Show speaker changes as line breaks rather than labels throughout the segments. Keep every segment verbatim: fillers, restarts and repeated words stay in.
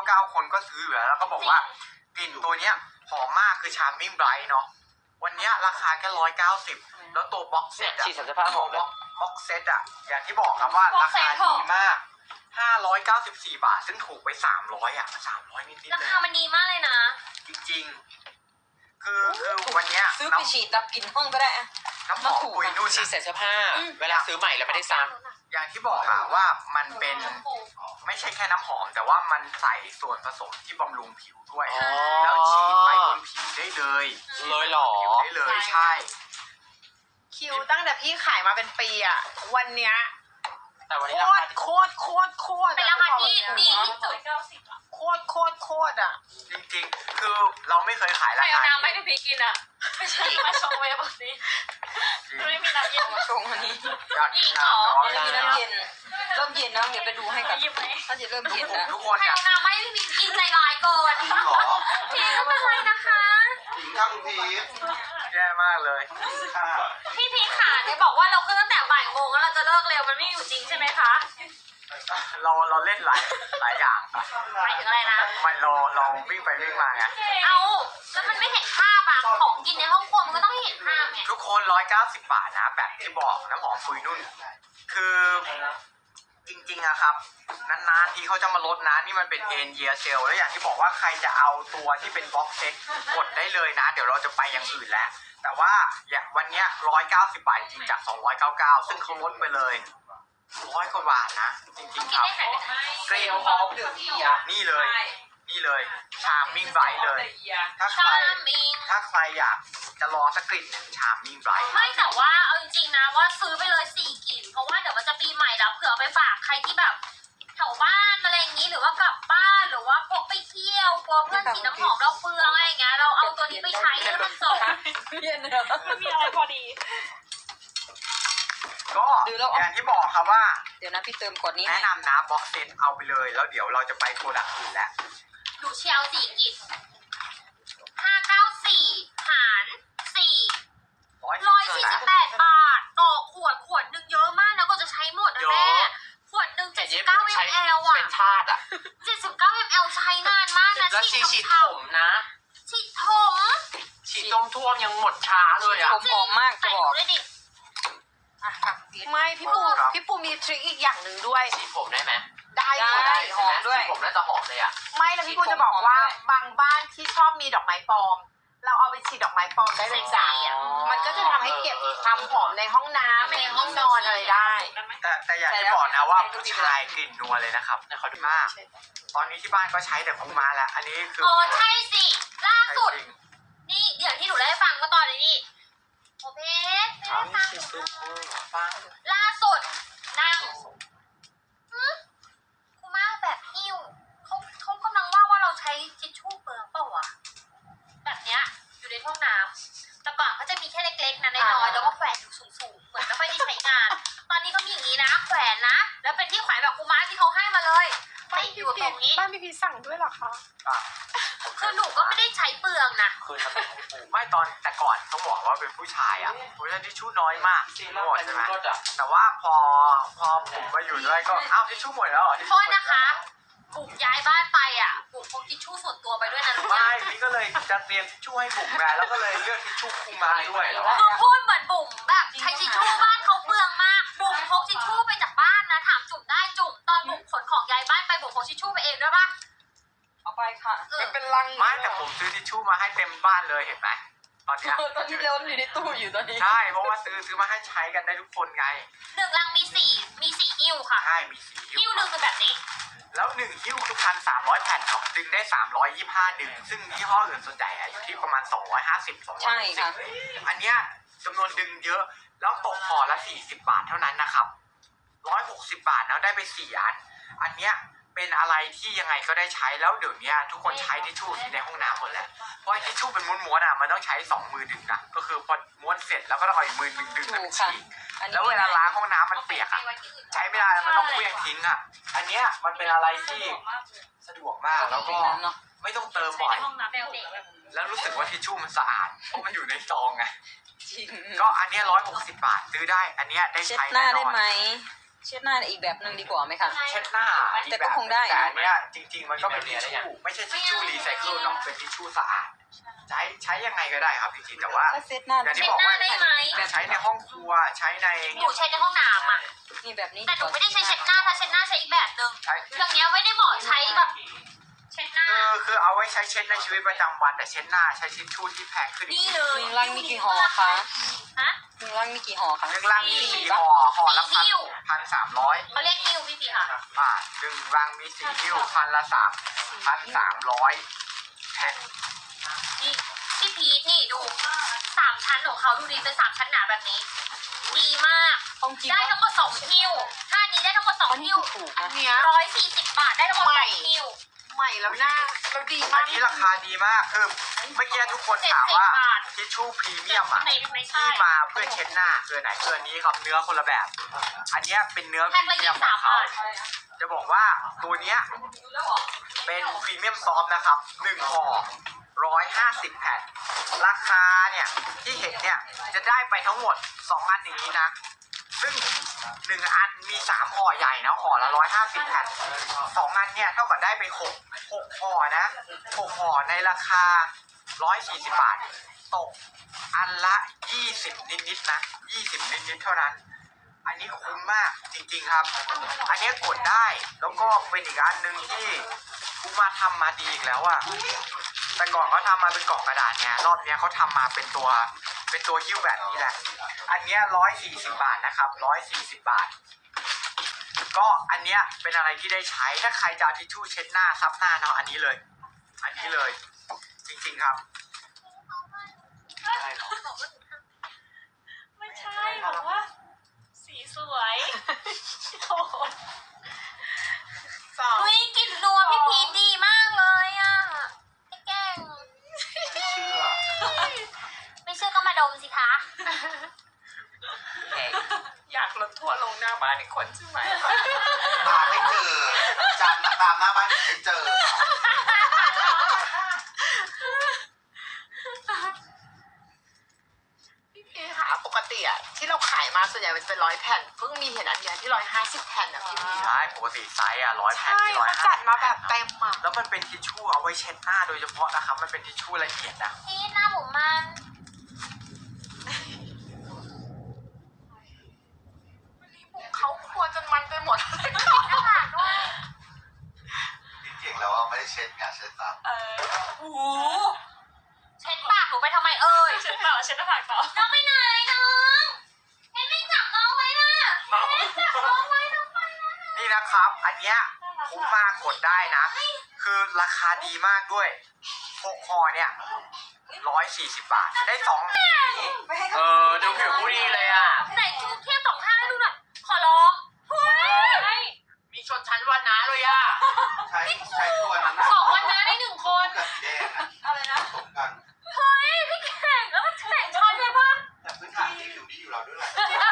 าเก้าคนก็ซื้ออยู่แล้วแล้วก็บอกว่ากลิ่นตัวเนี้ยหอมมากคือ Charming Bright เนาะวันเนี้ยราคาแค่ร้อยเก้าสิบแล้วตัวบ็อกเซตอะ
ฉีดสัญชาติหอมเลย
บ็อกเซตอะอย่างที่บอกครับว่าราคาดีมากห้าร้อยเก้าสิบสี่บาทซึ่งถูกไปสามร้อยอะสามร้อยนิดๆ
รา
เลย
คามันดีมากเลยนะ
จริงๆคือคือวันเนี้ย
ซื้อไปฉีดดับกลิ่นห้องก็ได้อะ
น้ำหอมปุยนุ่น
ฉีด
อะ
ใส่เสื้อผ้าเวลาซื้อใหม่แล้วไม่ได้ซ้
อย่างที่บอกอะว่ามันเป็นไม่ใช่แค่น้ำหอมแต่ว่ามันใส่ส่วนผสมที่บำรุงผิวด้วย
ำอ๋อ
แล้วฉีดไปบนผิวได้เลย
เลยเหรอ
ผิวได้เลยใช่
คิวตั้งแต่พี่ขายมาเป็นปีอะวันเนี้ย
แต่วัน
โค
นี้รา
ต
คาร
โคตรโคตรโคตร
เป็นราคาที่ดีที่สุด
โคตรโคตรโคตรอะ
จริงๆ คือเราไม่เคยขาย
ใคร
รา
เอา
คา
น้ำไม่ได้พี่กินอ่ะไม่ใช่มาชงไว้แบบนี้ไม่มีน้ำเย็น
ชงอันนี้
อยากกินน้ำ
ไม่มีน้ำเย็นเริ่มเย็นแล้วเดี๋ยวไปดูให้กัน
หยิบไหม
ถ้าจะเริ่มเย็นแล้ว
ทุกคน
ใคร
อยาก
เอาน้ำไม่ได้พี่กินใจร้ายเกิน
กินหรอ
พี่ก็เป็นไรนะคะ
กินข้าวคุณพีชแย่มากเลยค่ะ
พี่พีขาเนี่ยบอกว่าเราขึ้นตั้งแต่บ่ายโมงแล้วเราจะเลิกเร็วมันไม่อยู่จริงใช่ไหมคะ
เราเราเล่นหลายหลายอย่างค่ะ
หมายถึงอะไรนะ
มันเราเราวิ่งไปวิ่งมาไง
เอาแล้วมันไม่เห็นภาพอะของกินในห้องครัวมันก็ต้องเห็นภาพไง
ทุกคนร้อยเก้าสิบบาทนะแบบที่บอกน้ำหอมปุยนุ่น คือจริงๆอะครับนานๆทีเขาจะมาลดนะนี่มันเป็นเอ็นเยียเซลแล้วอย่างที่บอกว่าใครจะเอาตัวที่เป็นบ็อกเซ็ตกดได้เลยนะ เดี๋ยวเราจะไปอย่างอื่นแล้ว แต่ว่าอย่างวันเนี้ยร้อยเก้าสิบบาทจริงจากสองร้อยเก้าเก้าซึ่งเขาลดไปเลยร้อยกว่าบาทนะ จริงๆ
กิ
คน รับ
ได้ไหน
เกรดพร้อมเดือดที่อ่ะนี่เลย นี่เลยชาร์มมิ่งไบรท์เลย ถ้าใค
ชาร มิง
ถ้าใครอยากจะลองสักกลิ่นหนึ่งชาร์มมิ่งไบรท์
ไม่แต่ว่าเอาจริงๆนะว่าซื้อไปเลยสี่กลิ่นเพราะว่าเดี๋ยวมันจะปีใหม่แล้วเผื่อเอาไปฝากใครที่แบบแถวบ้านอะไรอย่างนี้หรือว่ากลับบ้านหรือว่าพกไปเที่ยวกลัวเพื่อนฉีดน้ำหอมเราเปลืองอะไรอย่างเงี้ยเราเอาตัวนี้ไปใช้ให้มันจบ
เย็นเลย
ไม่มีอะไรพอดี
ก็
ดูแล้ว
อย่างที่บอกครับว่า
เดี๋ยวนะพี่เติมก่อนนี้
แนะนำนะบ็อกเซตเอาไปเลย แล้วเดี๋ยวเราจะไปโปรดักต์อื่นแล้ว
หนูเชียวสี่กลิ่นห้าเก้าสี่หารสี่
ร้อย
ร้อยสี่สิบแปดบาทต่อขวดขวดหนึ่งเยอะมากนะก็จะใช้หมดนะแม่ขวดหนึ่ง
แต่
เจ็ดสิ
เย็
บบ เก้า
ผม
ม
ใช้
ลอ่ะ
เป็นทาสอ่ะ
เจ็ดสิบเก้ามลใช้นานมากนะ
แล้วฉีดฉีดผมนะ
ฉีดถม
ฉีดต้มท่วมยังหมดช้าเลยอ่ะ
ผมหอมมากจะ
ใส่
บ
ห
อก
นูเลยดิ
อ่ะค่ะไม่พี่ปูพี่ปูมีทริคอีกอย่างหนึ่งด้วย
ฉีดผมได้ไหม
ได้ได้หอมด้วย
ฉีผมน่าจะหอมเลยอ่ะ
ไม่แล้วพี่ปูจะบอกว่าบางบ้านที่ชอบมีดอกไม้ปลอม เราเอาไปฉีดดอกไม้ปลอมได้เลยจ้ะ
อ๋อ
มันก็จะทำให้เก็บความหอมในห้องน้ำในห้องนอนอะไรได้
แต่แต่อย่างที่บอกนะว่าผู้ชายกลิ่นนัวเลยนะครับ
เนี่ยเขาดู
มาก ตอนนี้ที่บ้านก็ใช้แต่คูมาแล้ว อันนี้คือ
อ๋อใช่สิล่า
ใช้
สุด
จริง
นี่เดี๋ยวที่หนูได้ฟังเมื่อตอนนี้โอเพชรไม่ได้ฟังหนูเลยล่าสุดนั่งหึกูมาแบบหิ้วเขาเขากำลังว่าว่าเราใช้ทิชชู่เปลืองเปล่าวะแบบเนี้ยอยู่ในห้องน้ำแต่ก่อนเขาจะมีแค่เล็กๆนะน้อยๆแล้วก็แขวนอยู่สูงๆเหมือนไม่ค่อยได้ใช้งาน ตอนนี้เขามีอย่างนี้นะแขวนนะแล้วเป็นที่แขวนแบบกูมาที่เขาให้มาเลยติดอยู่ตรงนี้
บ้านพี่พีชสั่งด้วยเหรอคะ
อ่ะ
คือหนูก็ไม่ได้ใช้เปลืองนะ
คืนมาเป็นให้ปู
ไม่ตอนแต่ก่อนต้องบอกว่าเป็นผู้ชายอ่ะผู้ชายที่ชู่น้อยมาก
ซี
ห
รั่
ม
ว
ด
ไป
ใช่ไหม
รถอ่ะ
แต่ว่าพอพอผมมาอยู่ด้วยก็อ้าวทิชชู่หมดแล้วเหรอทิช
โท
ชู่
ษ
หมด
นะคะบุกย้ายบ้านไปอ่ะบุกพกทิชชู่ส่วนตัวไปด้วยนะรู้ไหม
ไม่นี่ก็เลยจะเตรียมทิชชู่ให้บุ๋มไงแล้วก็เลยเลือกทิชชู่คูมาด้วยเหรอ
คือพูดเหมือนบุ๋มแบบใช้ทิชชู่บ้านเขาเปลืองมากบุ๋มพกทิชชู่ไปจากบ้านนะถามจุ่มได้จุ่มตอนบุ๋มขนของย้ายบ้านไปบุ๋มพกทิชชู่ไปเองด้วยปะ
เอาไปค่ะ
เออ
เป็นลัง
ไม่แต่ผมซื้อทิชชู่มาให้เต็มบ้านเลยเห็นไหมตอนเนี้ย
ตอนนี้เร็วอยู่ในตู้อยู่ตอนนี้
ใช่เพราะว่าซื้อซื้อมาให้ใช้กันได้ทุกคนไง
หนึ่งลังมีสี่มีสี่หิ้วค่ะ
ใช่มีสี
หิ้วหนึ่งคือแบบนี้
แล้วหนึ่งหิ้วคือพันสามร้อยแผ่นเนาะดึงได้สามร้อยยี่สิบห้าดึง ซึ่งยี่ห้ออื่นส่วนใหญ่อะอยู่ที่ประมาณสองร้อยห้าสิบสองร้อย
ใช่ค่ะ
อันเนี้ยจำนวนดึงเยอะ แล้วตกห่อละสี่สิบบาทเท่านั้นนะครับร้อยหกสิบบาทแล้วได้ไปสี่อัน อันเนี้ยเป็นอะไรที่ยังไงก็ได้ใช้แล้วเดี๋ยวนี้ทุกคนใช้ทิชชู่ที่ในห้องน้ำหมดแล้วเพราะไอ้ทิชชู่เป็นม้วนๆอ่ะมันต้องใช้สองมือดึงนะก็คือพอม้วนเสร็จแล้วก็ต้องเอาอีกมือดึงดึง
ถู
มัน
กค่ะ
ฉีก
อันนี้
แล้วเวลาล้างห้องน้ำมันเปียกอ่ะใช้ไม่ได้มันต้องเคลื่อนทิ้งอ่ะอันเนี้ยมันเป็นอะไรที่สะดวกมากแล้วก็
เนาะ
ไม่ต้องเติมบ่อย
ห้องน้ำแบลเด็ก
แล้วรู้สึกว่าทิชชู่มันสะอาดเพราะมันอยู่ในซองไง
จริง
ก็อันเนี้ร้อยหกสิบบาทซื้อได้ อันเนี้ยได้
เช็ด
ใช้
หน้า
แน่น
ได้
อน
ไหมเช็ดหน้าอีกแบบหนึ่งดีกว่าไหมคะ
เช็ดหน้า
แต่ก็คงได้
แต่อันเนี้ยจริง ๆ มันก็เป็นทิชชู่ไม่ใช่ทิชชู่รีไซเคิลเนาะเป็นทิชชู่สะอาดใช้ใช้ยังไงก็ได้ครับจริงๆแต่ว่า
ก็เช็ดหน้า
อย่างที่
เช็
บ
ด
อก
หน้า
ว่า
ได้ไหม
ใช้ในห้องครัวใช้ใน
หนูใช้ในห้องน้ำอ่ะ
นี่แบบนี้
แต่หนูไม่ได้ใช้เช็ดหน้าถ้าเช็ดหน้าใช้อีกแบบหนึ่ง
ใช้
เครื่องเนี้ยไม่ได้เหมาะใช้แบบเช็ดหน้า
คือคือเอาไว้ใช้เช็ดในชีวิตประจำวันแต่เช็ดหน้าใช้ทิชชู่ที่แพงขึ้นอี
นี่
ก
เลย
หนึ่งลังมีกี่ห่อคะ
ฮะ
หนึ่งลังมีกี่ห่อคะ
หนึ่งลังมีสี่ห่อห่อละพันพันสามร้อย
เขาเรียกฮิวพี่สีค่ะ
บาทหนึ่งรังมีสี่กิ้วพันละสามพันสามร้อยแผ่น
นี่พี่พีทนี่ดูสามชั้นของเขาดูดีเป็นสามชั้นหนาแบบนี้ ดีมาก
ต้องกิน
ได้ทั้งหมดสองคิวถ้าอันนี้ได้ทั้งหมดสอง
อันนี้
คิว
ถูก
อัน
นะ
เนี้ย
ร้อยสี่สิบบาทได้ทั้งหมดสองคิว
ใหม่แล้วหน้าแล้วดี
อั
มาน ก
นี้ราคาดีมากคือเมื่อกี้ทุกคนถามว่าทิชชู่พรีเมียมอ่ะ
ไหนไม่ใช่
ที่มาเพื่อเช็ดหน้าคือไหนคืออันนี้ครับเนื้อคนละแบบ อันเนี้ยเป็นเนื้อพ
แพ็
รี
คละ
เมี
ยี่
ยม
สิบ
ขอ
สาง ม
เขา
บาท
จะบอกว่าตัวเนี้ยเป็นพรีเมียมซอฟต์นะครับหนึ่งห่อร้อยห้าสิบแผ่นราคาเนี่ยที่เห็นเนี่ยจะได้ไปทั้งหมดสองอันอย่างนี้นะ ซึ่งหนึ่งอันมีสามห่อใหญ่นะห่อละร้อยห้าสิบแผ่นสองอันเนี่ยเท่ากับได้ไปหกหกห่อนะหกห่อในราคาร้อยสี่สิบบาทตกอันละยี่สิบนิดๆนะยี่สิบนิดๆเท่านั้น อันนี้คุ้มมากจริงๆครับ อันนี้กดได้แล้วก็เป็นอีกอันหนึ่งที่กูมาทำมาดีอีกแล้วอะแต่ก่อนเขาทำมาเป็นกล่องกระดาษเนี่ยรอบเนี้ยเขาทำมาเป็นตัวเป็นตัวหิ้วแบบนี้แหละ อันเนี้ยร้อยสี่สิบบาทนะครับร้อยสี่สิบบาท ก็อันเนี้ยเป็นอะไรที่ได้ใช้ถ้าใครจะเอาทิชชู่เช็ดหน้าซับหน้าเนาะอันนี้เลย อันนี้เลย จริงๆครับใช่เหรอ
ไม่ใช่บอกว่า สีสวย โอ้โห
สอง
อุ้ยกลิ่นนัวพี่พีทดีมากเลยอ่ะพี่แกล้ง
ไม่เชื่อ
ไม่เชื่อก็มาดมสิคะ
อยากลดทัวร์ลงหน้าบ้านอีกคนใช่ไหม
ตามไม่เจอจำตามหน้าบ้านไม่เจอ
พี่พีค่ะปกติอะที่เราขายมาส่วนใหญ่มันเป็นร้อยแผ่นเพิ่งมีเห็นอันเนี้ยที่ร้อยห้าสิบแผ่นอะพี่พี
ใช่ปกติไซส์อ่ะร้อยแผ่น
ใช่
ที่ร้อย
เขา
ห้า
จัดมาแบบเต็มอะ
แล้วมันเป็นทิชชู่เอาไว้เช็ดหน้าโดยเฉพาะนะครับ มันเป็นทิชชู่ละเอียดนะ
พีทหน้าผมมัน
เขาควรจนมันไปหมด
หน้าผากด้วย
จริงๆแล้วว่าไม่ได้เช็ดงานเช็ดซับ
เออ
โอ้โหเช็ดปากหนูไปทำไมเอ่ย
เช็ดต่อเช็ดหน้าผากต่อ
น้องไปไหนน้องเอ็นไม่จับน้องไว้นะเอ็นจับน้องไว้น้องไปนะ
นี่นะครับ อันเนี้ยคุ้มมากกดได้นะ คือราคาดีมากด้วยหกห่อเนี่ยร้อยสี่สิบบาท ได้สอง
เออดูผิวผู้ดีเลยอ่ะ
ไหนชูเทียบสองข้างให้ดูหน่อยขอร้องเฮ้ย
มีชนชั้นวันนะเลยอ่ะ
ใช้ใช้ตัวนั้นนะ
สองวันนะได้หนึ่งคน
กับสีแดงอะ
อะไรนะ
ผสมกัน
เฮ้ยพี่แข่งแล้วมันแข่งช้อนเลยปะ
แต่พื้นฐานที่ผิวดีอยู่แล้วด้วยแหละ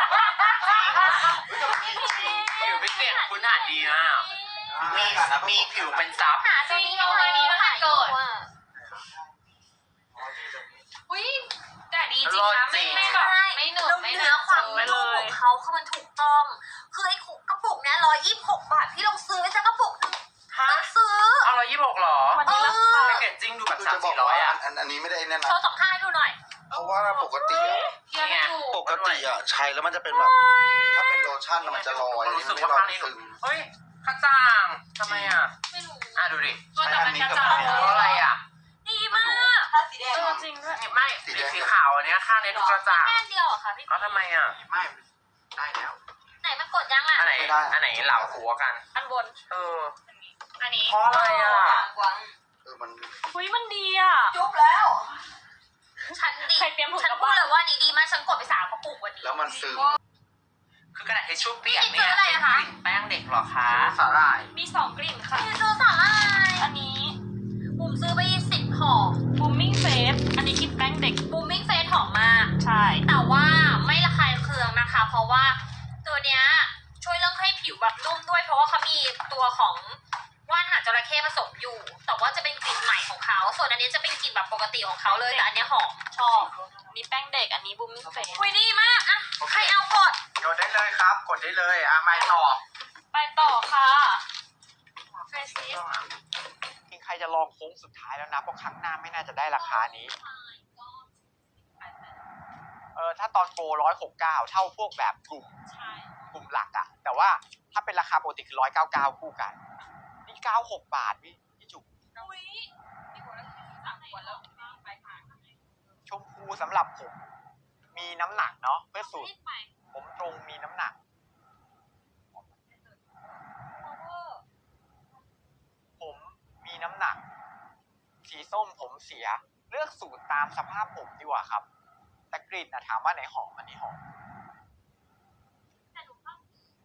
ผิวพิเศษคุณหาดีมากมีมีผิวเป็นซับ
หาซื้อเอาไว้ดีมาหาเกิด
อุ้ยแต่ดีจริงนะไม่ไม่แบบไม่เหนอะไม่
เนื้อความ
ไม่เล
นุ่มข
ย
องเขาคือมันถูกต้อง คือไอ้กระปุกเนี้ยร้อยยี่สิบหกบาทพี่ลองซื้อไว้สักกระปุกหนึ่ง
ฮะ
ต้องซื้อ
เอาร้อยยี่สิบหกหรอ
วันนี้ราคา
แพคเกจจิ้งดูแบบ
คือ
สาม
จะบอก
สี่ร้อ
ว่าย
อ่ะ
อันอันนี้ไม่ได้แน่
โช
นะ
ว์สองข้างให้ดูหน่อย
เพราะว่าปกติอะ
เทียบไม่ถูก
ปกติอะใช้แล้วมันจะเป็นแบบ ถ้าเป็นโลชั่นอะมันจะลอย
รู้สึก
ไม่
ว่า
ลอ
ข้าย งนี้
ซึม
เฮ้ยกระจ่างทำไมอ่ะ
ไม่รู้
อ่ะดูดิ
ตัวแต่มันกระจาย
เพราะอะไรอ่ะ
ดีมาก
เออจริงด้วย
ไม่สีสีขาวอันเนี้ยข้างนี้ดูกระจ่าง
แค่เดียวเหรอะค่ะพี่
เอาทำไมอ่ะ
ไม่ได้แล้ว
ไหนมันกดยังอ่ะ
อันไหนอันไหนเหล่าหัวกัน
อันบน
เออ
อันนี้
เพราะอะไรอ่ะ
เออมัน
อุ้ยมันดีอ่ะ
ฉันดี
ใครเตรียมถุง
ฉัน
กลับ
พูด
บ้าน
เลยว่านี่ดีมากฉันกดไปสามกระปุกวันนี้
แล้วมันซึม
คือกระดาษทิชชู่เปียก
นี่
เนี่
คื
ย
ออะไร
เป็น
อะคะ
กลิ่นแป้งเด็กเหรอคะ
สาหร่าย
มีสองกลิ่นค่ะ
พี่ซื้อสาหร่าย
อันนี้
บุ๋มซื้อไปสิบห่อ
บูมมิ่งเฟสอันนี้กลิ่นแป้งเด็ก
บูมมิ่งเฟสหอมมาก
ใช่
แต่ว่าไม่ระคายเคืองนะคะ เพราะว่าตัวเนี้ยช่วยเรื่องให้ผิวแบบนุ่มด้วย เพราะว่าเขามีตัวของว่านหางจระเข้ผสมอยู่ แต่ว่าจะเป็นกลิ่นใหม่ของเขา ส่วนอันนี้จะเป็นกลิ่นแบบปกติของเขาเลย แต่อันเนี้ยหอมชอบ
มีแป้งเด็กอันนี้บูมมิ่งเฟส
คุยดีมากอะใครเอากด
กดได้เลยครับ กดได้เลยอ่ะไม่ต่อ
ไปต่อค่ะเฟซซิส
จริงใครจะลองโค้งสุดท้ายแล้วนะเพราะครั้งหน้าไม่น่าจะได้ราคานี้ เออถ้าตอนโปรร้อยหกเก้าเท่าพวกแบบกลุ่ม
ใช่
กลุ่มหลักอะแต่ว่าถ้าเป็นราคาปกติคือร้อยเก้าเก้าคู่กัน นี่เก้าหกบาทพี่พี่จุก
อุ้ยพี่บัวแล้วสามขวดแล้วไปค่ะ
ชมพูสำหรับผม มีน้ำหนักเนาะเพื่อสูตร
ไป
ผมตรงมีน้ำหนัก ผมมีน้ำหนัก สีส้มผมเสีย เลือกสูตรตามสภาพผมดีกว่าครับ แต่กลิ่นนะถามว่าไหนหอมอันนี้หอม
แต่หนูก็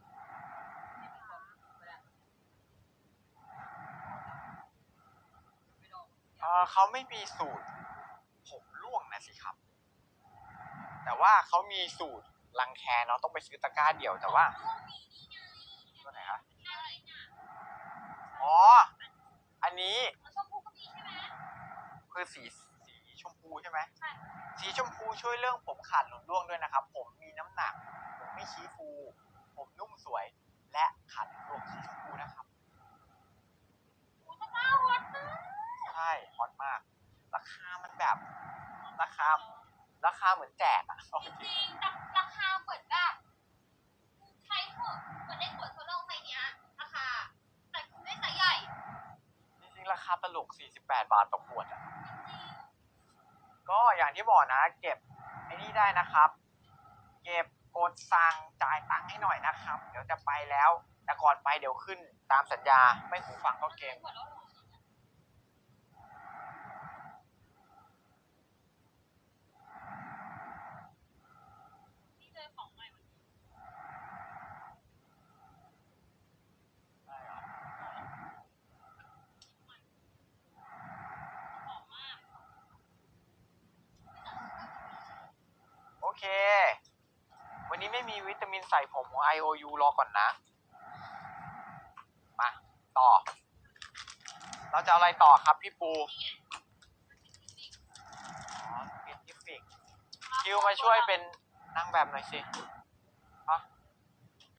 เออเขาไม่มีสูตร ผมร่วงนะสิครับ แต่ว่าเขามีสูตรรังแคเนาะต้องไปซื้อตะกร้าเดี่ยวแต่ว่าตัวไหนคะอ๋อ อันนี้
ชมพูก็มีใช่ไหม
คือสีสีชมพูใช่ไหม
ใช่
สีชมพูช่วยเรื่องผมขาดหลุดร่วงด้วยนะครับ ผมมีน้ำหนัก ผมไม่ชี้ฟู ผมนุ่มสวย และขาดหลุดร่วงสีชมพูนะครับ
อู้ตะกร้าฮอตมาก
ใช่ฮอตมาก ราคามันแบบ ราคา ราคาเหมือนแจกอะเอาจ
จ
ริง
ริงๆแต่ราคาเหมือนแบบใช้เถอะเหมือนได้ขวดโซโล่ไซส์เนี้ยราคาแต่ได้ไซส์ใหญ่
จริงๆราคาตลกสี่สิบแปดบาทต่อขวดอะก็อย่างที่บอกนะ เก็บไอ้นี่ได้นะครับ เก็บกดสั่งจ่ายตังค์ให้หน่อยนะครับ เดี๋ยวจะไปแล้ว แต่ก่อนไปเดี๋ยวขึ้นตามสัญญา ไม่หูฟังก็เกม
ขวดแล้วเหรอ
ที่เจอของใหม่วันนี้หอมมาก
โอเค วันนี้ไม่มีวิตามินใส่ผมของ ไอ โอ ยู รอก่อนนะ มา ต่อ เราจะเอาอะไรต่อครับพี่ปู อ๋อเป็นกิฟฟิกคิวมาช่วยเป็นนางแบบหน่อยสิ
ไ